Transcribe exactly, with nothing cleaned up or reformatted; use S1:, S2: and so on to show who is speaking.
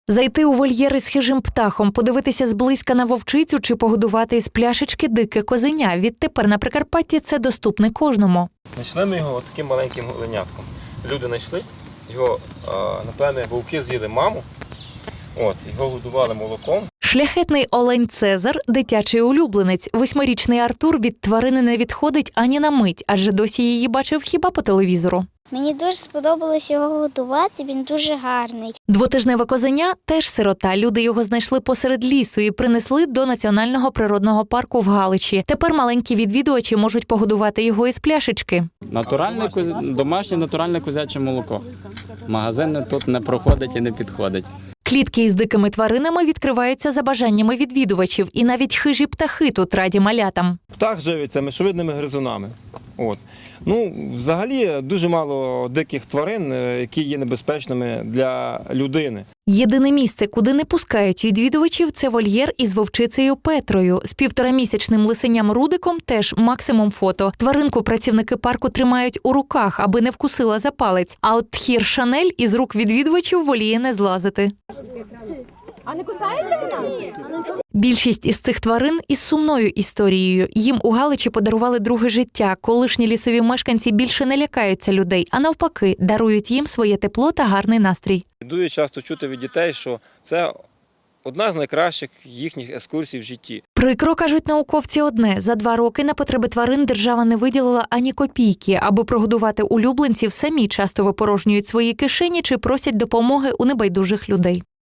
S1: Зайти у вольєр із хижим птахом, подивитися зблизька на вовчицю чи погодувати із пляшечки дике козеня. Відтепер на Прикарпатті це доступне кожному.
S2: Знайшли ми його таким маленьким голенятком. Люди знайшли, його, напевне, вовки з'їли маму, от, його годували молоком.
S1: Шляхетний олень Цезар – дитячий улюбленець. Восьмирічний Артур від тварини не відходить ані на мить, адже досі її бачив хіба по телевізору.
S3: Мені дуже сподобалось його годувати, він дуже гарний.
S1: Двотижневе козеня – теж сирота. Люди його знайшли посеред лісу і принесли до Національного природного парку в Галичі. Тепер маленькі відвідувачі можуть погодувати його із пляшечки.
S4: Натуральне, домашнє натуральне козяче молоко. Магазин тут не проходить і не підходить.
S1: Клітки із дикими тваринами відкриваються за бажаннями відвідувачів. І навіть хижі птахи тут раді малятам.
S2: Птах живиться мишовидними гризунами. От. Ну, взагалі, дуже мало диких тварин, які є небезпечними для людини.
S1: Єдине місце, куди не пускають відвідувачів – це вольєр із вовчицею Петрою. З півторамісячним лисеням Рудиком теж максимум фото. Тваринку працівники парку тримають у руках, аби не вкусила за палець. А от тхір Шанель із рук відвідувачів воліє не злазити.
S5: А не кусається вона?
S1: Більшість із цих тварин із сумною історією. Їм у Галичі подарували друге життя. Колишні лісові мешканці більше не лякаються людей, а навпаки, дарують їм своє тепло та гарний настрій.
S2: Дуже часто чути від дітей, що це одна з найкращих їхніх екскурсій в житті.
S1: Прикро, кажуть науковці, одне. За два роки на потреби тварин держава не виділила ані копійки. Аби прогодувати улюбленців, самі часто випорожнюють свої кишені чи просять допомоги у небайдужих людей.